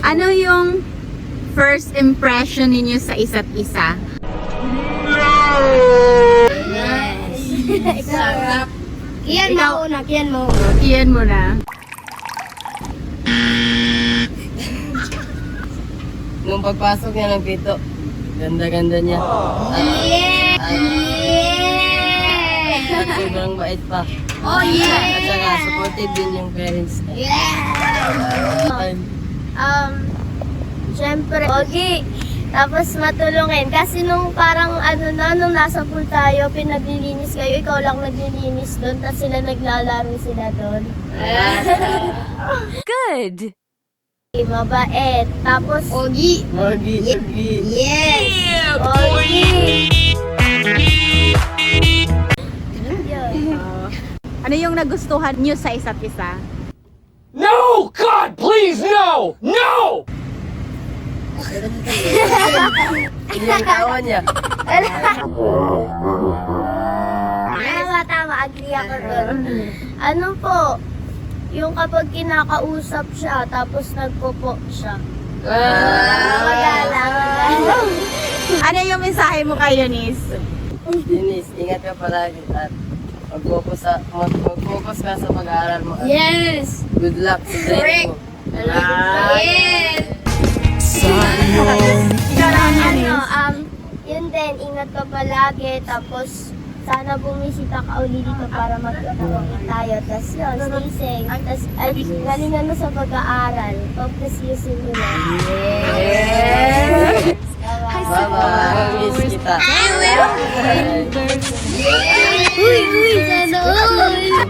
Ano yung first impression ninyo sa isa't isa? Yes. Sarap. Kian mo una, kian mo. Iyan mo na. Nung pagpasok niya ng pito, ganda-ganda niya. Yeah! At sobrang bait pa. Oh yeah! At saka supportive din yung parents. Yeah! Siyempre, okay. Tapos matulungin. Kasi nung parang nung nasa pool tayo, pinaglilinis kayo, ikaw lang naglilinis doon, tapos sila naglalaro sila doon. Good! Mabait. Tapos, Ogi. Morgie, Morgie. Yes! Ogi! Ano yung nagustuhan nyo sa isa't isa? No! God, please, no! No! Yung tawa niya. Tama, agree ako doon. Ano po, yung kapag kinakausap siya, tapos nagpopo siya. Magalang. Ano yung mensahe mo kay Eunice? Denise, ingat ka palagi at mag-focus ka sa pag-aaral mo. Yes! Good luck sa training mo. Yes! Yun din, ingat ka palagi, tapos sana bumisita ka uli dito para magkakawin tayo. Tapos yun, stay safe. Tapos galingan mo sa pag-aaral. Focus using mo na. Yes! Bye-bye. Miss kita. Uy, sana all!